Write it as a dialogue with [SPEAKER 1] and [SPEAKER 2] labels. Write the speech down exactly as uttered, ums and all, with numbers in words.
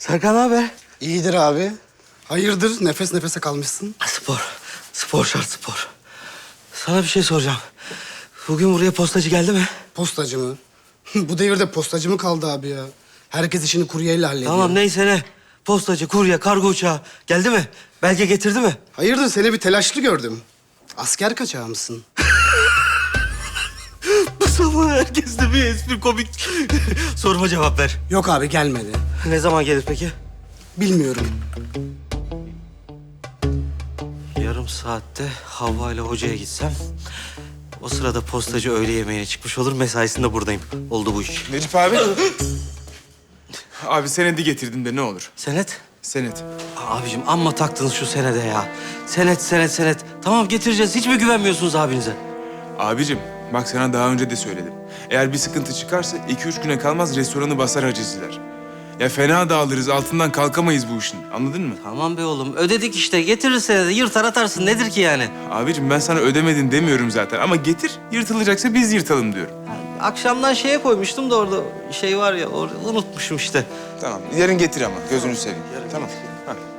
[SPEAKER 1] Serkan abi.
[SPEAKER 2] İyidir abi. Hayırdır nefes nefese kalmışsın?
[SPEAKER 1] Spor. Spor şart spor. Sana bir şey soracağım. Bugün buraya postacı geldi mi?
[SPEAKER 2] Postacı mı? Bu devirde postacı mı kaldı abi ya? Herkes işini kuryeyle hallediyor.
[SPEAKER 1] Tamam neyse ne. Postacı, kurye, kargo uçağı geldi mi? Belge getirdi mi?
[SPEAKER 2] Hayırdır seni bir telaşlı gördüm. Asker kaçağı mısın?
[SPEAKER 1] Bu sabah herkeste bir espri komik. Soruma cevap ver.
[SPEAKER 2] Yok abi gelmedi.
[SPEAKER 1] Ne zaman gelir peki?
[SPEAKER 2] Bilmiyorum.
[SPEAKER 1] Yarım saatte Havva ile hocaya gitsem... O sırada postacı öğle yemeğine çıkmış olur, mesaisinde buradayım. Oldu bu iş.
[SPEAKER 3] Necip abi. Abi senedi getirdim de ne olur.
[SPEAKER 1] Senet?
[SPEAKER 3] Senet.
[SPEAKER 1] Abicim amma taktınız şu senede ya. Senet, senet, senet. Tamam getireceğiz. Hiç mi güvenmiyorsunuz abinize?
[SPEAKER 3] Abicim bak sana daha önce de söyledim. Eğer bir sıkıntı çıkarsa iki üç güne kalmaz restoranı basar hacizler. Ya fena dağılırız, altından kalkamayız bu işin. Anladın mı?
[SPEAKER 1] Tamam be oğlum. Ödedik işte. Getirir senede. Yırtar atarsın. Nedir ki yani?
[SPEAKER 3] Abicim ben sana ödemedin demiyorum zaten. Ama getir, yırtılacaksa biz yırtalım diyorum.
[SPEAKER 1] Akşamdan şeye koymuştum da orada şey var ya. Or unutmuşum işte.
[SPEAKER 3] Tamam, yarın getir ama gözünü seveyim. Tamam. Ha.